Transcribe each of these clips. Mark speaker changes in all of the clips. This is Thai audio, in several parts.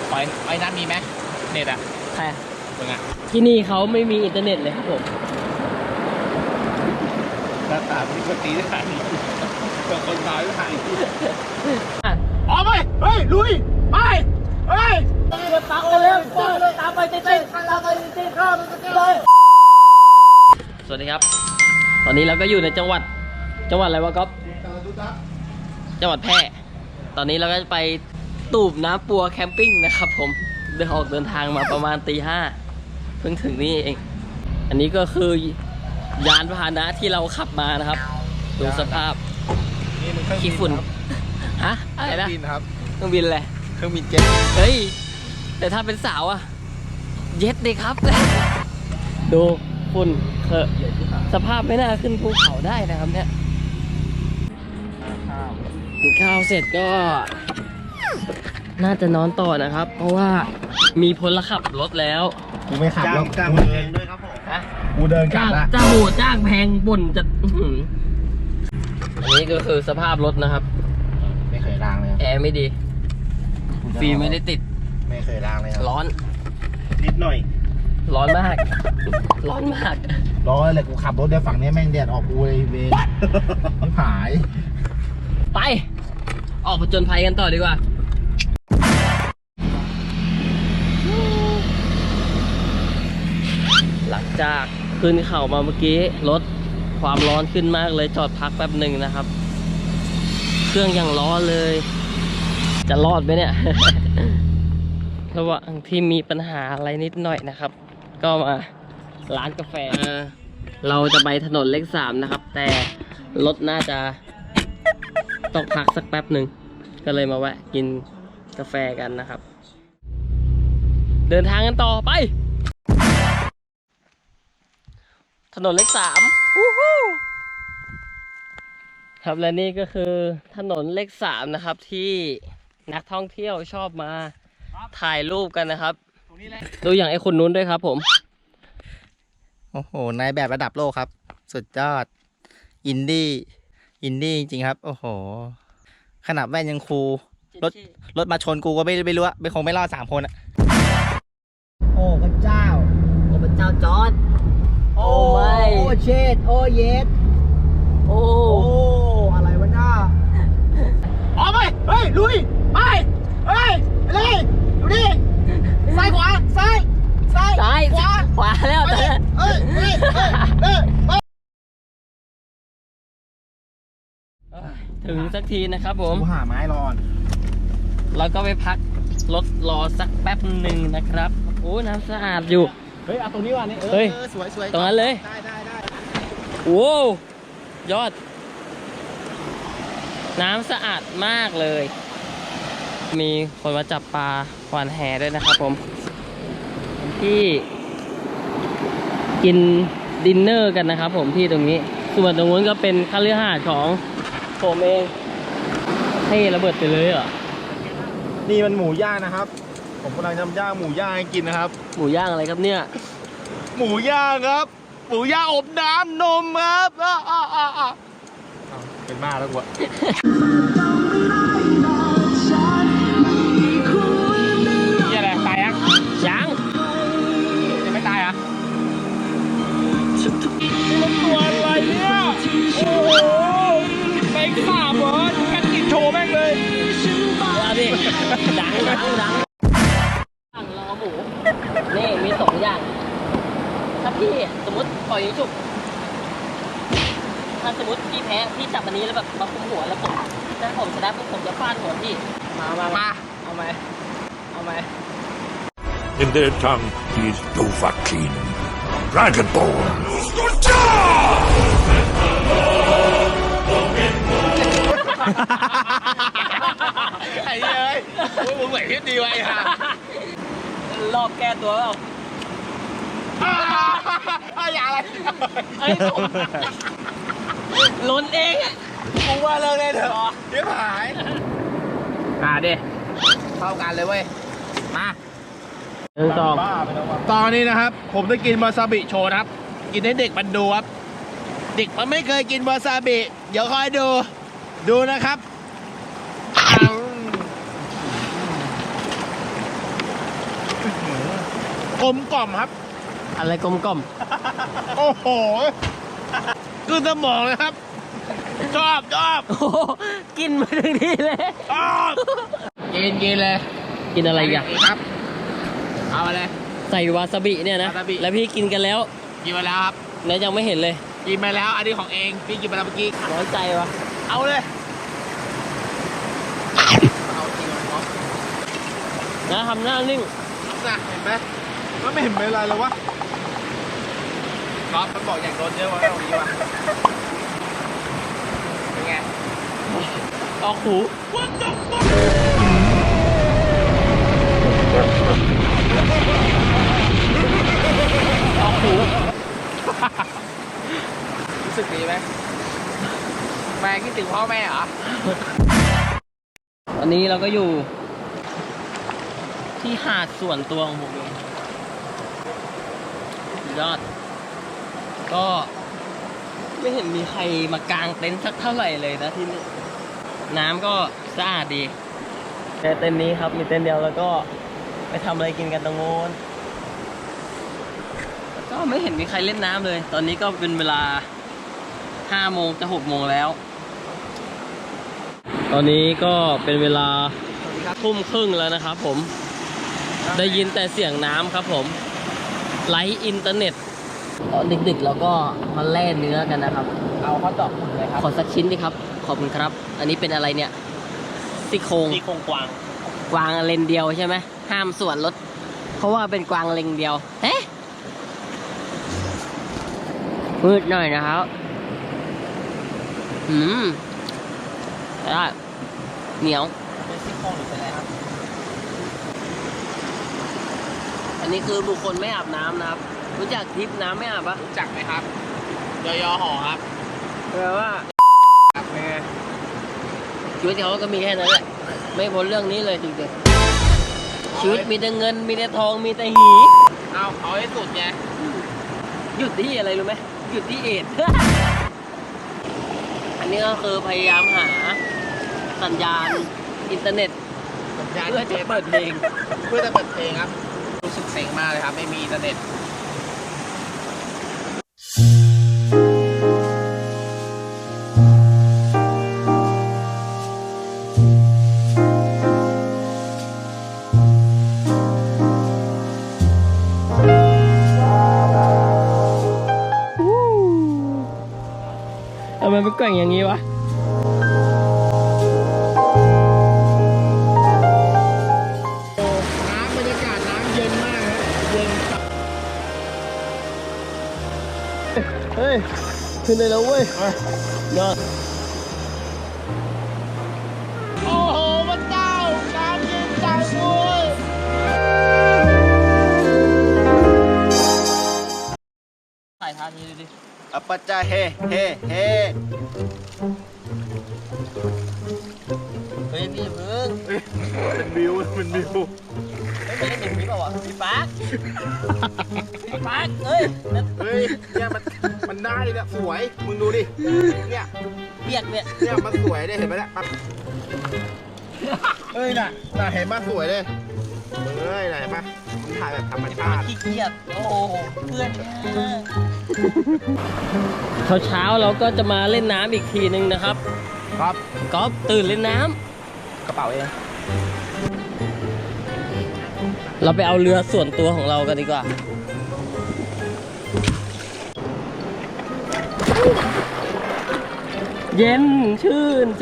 Speaker 1: ไฟนั้นมีไหมเน็ตอะ
Speaker 2: ใช่
Speaker 1: เป็นไง
Speaker 2: ที่นี่เขาไม่มีอินเทอร์เน็ตเลยครับผม
Speaker 1: หน้าตาที่คนตีได้ขนาดนี้คนตายได้ขนาดนี้ออกไปเฮ้ยลุยไปเฮ้ย
Speaker 2: ปักเร็วตามไปเต้นตามไปเต้นข้ามเลยสวัสดีครับตอนนี้เราก็อยู่ในจังหวัดอะไรวะก๊อฟจังหวัดแพร่ตอนนี้เราก็จะไปตูบน้ำปัวแคมปิ้งนะครับผมเดินทางมาประมาณตี 5เพิ่งถึงนี่เองอันนี้ก็คือยานพาหนะที่เราขับมานะครับดูสภาพขี้ฝุ่นฮะอะไรนะเครื่องบินอะไร
Speaker 1: เครื่องบินเจ็ต
Speaker 2: เฮ้ยแต่ถ้าเป็นสาวอะเย็ดเลยครับดูฝุ่นเคอะสภาพไม่น่าขึ้นภูเขาได้นะครับเนี่ยกินข้าวเสร็จก็น่าจะนอนต่อนะครับเพราะว่ามีพลขับรถแล้ว
Speaker 1: กูไม่ขับแล้วจ้างเดินด้วยครับผมกูเดินกลับละ
Speaker 2: จ้างแพงบ่นจะอันนี้ก็คือสภาพรถนะครับ
Speaker 1: ไม่เคยล้างเลย
Speaker 2: แอร์ไม่ดีฟีไม่ได้ติด
Speaker 1: ไม่เคยล้างเลย
Speaker 2: ร้อน
Speaker 1: นิดหน่อย
Speaker 2: ร้อนมากร้อน
Speaker 1: เลยกูขับรถเดี๋ยวฝั่งนี้แม่งแดดออกกูเลยเวรไม่ผาย
Speaker 2: ไปออกผจญภัยกันต่อดีกว่าหลังจากขึ้นเข่ามาเมื่อกี้รถความร้อนขึ้นมากเลยจอดพักแป๊บหนึ่งนะครับเครื่องยังร้อนเลยจะรอดไหมเนี่ย ระหว่างที่มีปัญหาอะไรนิดหน่อยนะครับก็มาร้านกาแฟเราจะไปถนนเลข 3นะครับแต่รถน่าจะต้องพักสักแป๊บหนึ่งก็เลยมาแวะกินกาแฟกันนะครับเดินทางกันต่อไปถนนเลข 3ครับและนี่ก็คือถนนเลข 3นะครับที่นักท่องเที่ยวชอบมาถ่ายรูปกันนะครับดูอย่างไอ้คนนู้นด้วยครับผม
Speaker 1: โอ้โหนายแบบระดับโลกครับสุดยอดอินดี้จริงๆครับโอ้โหขนาดแว่นยังคูรถมาชนกูก็ไม่รู้ไม่คงไม่รอด3 คนอะ
Speaker 2: โอ้พระเจ้าจอร์จโอ้ไม่
Speaker 1: โอ้เชดโอ้เยส
Speaker 2: โอ้
Speaker 1: อะไรวะหน้าออกไปเฮ้ยลุยไปเฮ้ยไปเลยดูดิซ้ายขวาซ้าย
Speaker 2: ขวาแล้วถึงสักทีนะครับผม
Speaker 1: หาไม้รอน
Speaker 2: แล้วก็ไปพักรถรอสักแป๊บหนึ่งนะครับโอ้น้ำสะอาดอยู่
Speaker 1: เฮ้ยเอาตรงนี้ว่ะนี่
Speaker 2: เฮ้ย
Speaker 1: สวย
Speaker 2: ตรงนั้นเลย
Speaker 1: ได้
Speaker 2: โอ้ยอดน้ำสะอาดมากเลยมีคนมาจับปลาหวานแหด้วยนะครับผมที่กินดินเนอร์กันนะครับผมที่ตรงนี้ส่วนตรงนู้นก็เป็นคฤหาสน์ของผมเองให้ระเบิดไปเลยเหรอ
Speaker 1: นี่มันหมูย่างนะครับผมกำลังทำย่างหมูย่างให้กินนะครับ
Speaker 2: หมูย่างอะไรครับเนี่ย
Speaker 1: หมูย่างครับหมูย่างอบน้ำนมครับเป็นบ้าแล้วกูอะนี่อะไรตายยังไม่ตายอ่ะมันตัวอะไรเนี่ยโอ้โหแม่งสาบเหรอกันกินโชว์แม่งเลย
Speaker 2: เอาดิดังรอหมูนี่มี2 อย่างถ้าพี่สมมติปล่อยยิงฉุกถ้าสมมติพี่แพ้พี่จับอันนี้แล้วแบบมาคุมหัวแล้วผมชนะผมจะฟาดหัวพี่มาเอาไหม
Speaker 3: In their tongue, he is Dovahkiin, Dragonborn.
Speaker 1: ไอ้เหี้ยมึงไหวที่ดีไว้ฮะ
Speaker 2: รอบแก้ตัวเปล่า
Speaker 1: อย่าอะไร
Speaker 2: ล้นเอง
Speaker 1: กูว่าเลิกเลยเถอะเดี๋ยวหาย
Speaker 2: ดิ
Speaker 1: เข้ากันเลยเว้ยมา
Speaker 2: ต
Speaker 1: อนนี้นะครับผมจะกินวาซาบิโชว์นะครับกินให้เด็กมันดูครับเด็กมันไม่เคยกินวาซาบิเดี๋ยวคอยดูนะครับ
Speaker 4: กลมกล่อมครับ
Speaker 2: อะไรกลมกล่อม
Speaker 4: โอ้โหขึ้นสมองเลยครับ ชอบ
Speaker 2: โอ้โหกินมาถึงนี่เลย
Speaker 4: ชอบกินเลย
Speaker 2: กินอะไรอีกอ่ะ
Speaker 4: ครับ เอาไปเลย
Speaker 2: ใส่วาซาบิเนี่ยนะ
Speaker 4: วาซาบิ
Speaker 2: แล้วพี่กินกันแล้ว
Speaker 4: กินมาแล้วครับ
Speaker 2: แล้วยังไม่เห็นเลย
Speaker 4: กินมาแล้ว อันนี้ของเอง พี่กินมาแล้วเมื่อกี้
Speaker 2: น้อยใจวะ
Speaker 4: เอาเลยเอาจริงเลยครับ
Speaker 2: นะทำหน้านิ่ง
Speaker 4: น่ะเห็นไหมมันไม่เห็นเป็นไรเลยวะก๊อฟมันบอกอยากโดนเยอะวะตรงนี้วะเป็นไง
Speaker 2: ออกหู ออกหู
Speaker 4: รู้สึกดีไหมแม่คิดถึงพ่อแม่เหรอ
Speaker 2: วันนี้เราก็อยู่ ที่หาดส่วนตัวของผมเองสุดยอด ก็ไม่เห็นมีใครมากางเต็นท์สักเท่าไหร่เลยนะที่นี่น้ำก็สะอาดดีแต่เต็นท์นี้ครับมีเต็นท์เดียวแล้วก็ไปทำอะไรกินกันตรงโน้นก็ไม่เห็นมีใครเล่นน้ำเลย ตอนนี้ก็เป็นเวลา5 โมงจะ6 โมงแล้ว ตอนนี้ก็เป็นเวลาทุ่มครึ่งแล้วนะครับผมได้ยินแต่เสียงน้ำครับผมไลฟ์อินเทอร์เน็ตตอนดึกๆเราก็มาแล่เนื้อกันนะครับ
Speaker 4: เอาข้าวตอกเลยครับ
Speaker 2: ขอสักชิ้นดิครับ ขอบคุณครับ อันนี้เป็นอะไรเนี่ยซี่โครง
Speaker 4: ที่โครงกวาง
Speaker 2: กวางเลนเดียวใช่ไหมห้ามส่วนลดเพราะว่าเป็นกวางเลนเดียวเอ๊ะมืดหน่อยนะครับได้เหนียว
Speaker 4: เป็นซี่โครงหรือเป็นอะไรครับ
Speaker 2: อันนี้คือบุคคลไม่อาบน้ำนะครับ รู้จักทริปน้ำไม่อาบปะ
Speaker 4: รู้จักไหมครับยอยอห่อครับ
Speaker 2: แปลว่า
Speaker 4: ครับเป็นไง
Speaker 2: ชีวิตเขาก็มีแค่นั้นแหละ ไม่พ้นเรื่องนี้เลยจริงๆชีวิตมีแต่เงินมีแต่ทองมีแต่หี
Speaker 4: เอาให้สุดไง
Speaker 2: หยุดที่อะไรรู้ไหมหยุดที่เอด อันนี้ก็คือพยายามหาสัญญาณอินเทอร์เน็ต
Speaker 4: สัญญาณ
Speaker 2: เพื่อจะเปิดเพลง
Speaker 4: เพื่อจะเปิดเพลงครับ รู้สึกเซ็งมากเลยครับ ไม่มีอินเทอร์เน็ต
Speaker 2: ทำไมเป็นแกว่งอย่างนี้วะ
Speaker 4: น้ำบรรยากาศน้ำเย็นมากครับเย็นจับ
Speaker 2: เฮ้ย ขึ้นได้แล้วเว้ยยอด
Speaker 4: โอ้โหพระเจ้าน้ำเย็นจังเลย
Speaker 2: ถ่ายท่านี้ดูดิ
Speaker 1: อัปปะจาเฮเฮเฮ
Speaker 2: เฮ้ยพี่อย่าเพิ่ง
Speaker 4: เป็นวิวเป็นวิว
Speaker 2: ไม่ได้เห็นพี่เปล่าวะพี่ปาร์คพี่ปาร์คเฮ้ยนั่น
Speaker 4: เฮ้ยเนี่ยมันได้เนี่ยสวยมึงดูดิเนี่ย
Speaker 2: เปียกเนี่ย
Speaker 4: เนี่ยมันสวยเลยเห็นไหมเนี่ยปั๊บเฮ้ยน่ะเห็นปะสวยเลยเฮ้ยน่ะเห็นปะมันถ่ายแบบธรรมชาติ
Speaker 2: ขี้เกียจโอ้โหเพื่อนเช้าเราก็จะมาเล่นน้ำอีกทีนึงนะครับ
Speaker 4: ครับ
Speaker 2: ก๊อฟตื่นเล่นน้
Speaker 4: กระเป๋าเอง
Speaker 2: ำเราไปเอาเรือส่วนตัวของเรากันดีกว่า เย็นชื่นใจ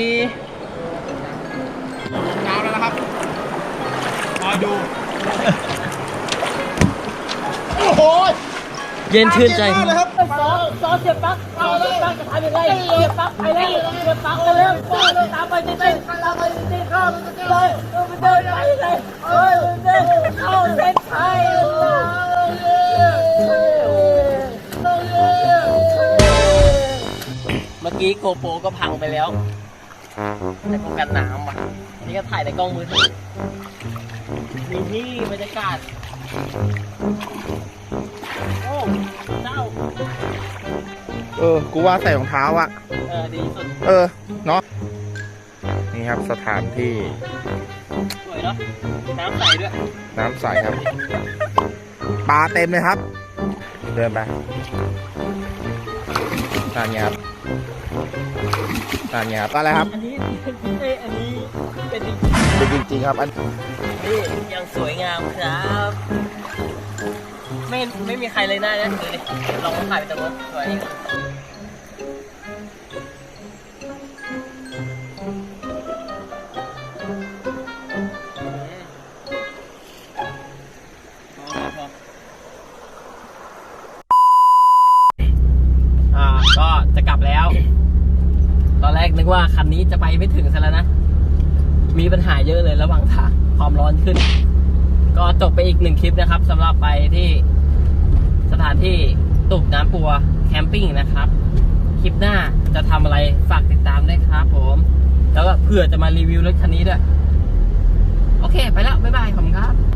Speaker 4: เช้าแล้วนะครับคอยดูโอ้โห
Speaker 2: เย็นชื่นใจ
Speaker 4: มากเลยครับ
Speaker 2: ซอเสียบปลั๊กจะทำยังไงเสียบปลั๊กไปแล้วเสียบปลั๊กไปแล้วตามไปติดๆตามไปติดๆเข้าเลยเดินไปเลยเดินเข้าเส้นชัยเมื่อกี้โกโปรก็พังไปแล้วแต่ป้องกันน้ำว่ะนี่ก็ถ่ายในกล้องมือถือมีที่บรรยากาศโอ้เจ้า
Speaker 4: กูว่าใส่รองเท้าอะ
Speaker 2: ดีสุด
Speaker 4: เนาะนี่ครับสถานที่
Speaker 2: สวยเนาะน้ำใสด้วย
Speaker 4: น้ำใสครับปลาเต็มเลยครับ เดินไป
Speaker 1: ตานไงครับตานไงครับ
Speaker 4: อะไรครับ
Speaker 2: อันนี้อันนี้เป็นจริง
Speaker 4: เป็นจริงๆครับอัน
Speaker 2: นี่ยังสวยงามครับ ไม่มีใครเลยได้นะดูดิลองถ่ายไปตรงนู้นสวยก็จะกลับแล้ว ตอนแรกนึกว่าคันนี้จะไปไม่ถึงซะแล้วนะ มีปัญหาเยอะเลยระหว่างทางความร้อนขึ้น ก็จบไปอีก1คลิปนะครับสำหรับไปที่สถานที่ตุกน้ำปัวแคมปิ้งนะครับ คลิปหน้าจะทำอะไรฝากติดตามด้วยครับผม แล้วก็เผื่อจะมารีวิวรถคันนี้ด้วย โอเค ไปแล้ว บ๊ายบาย ขอบคุณครับ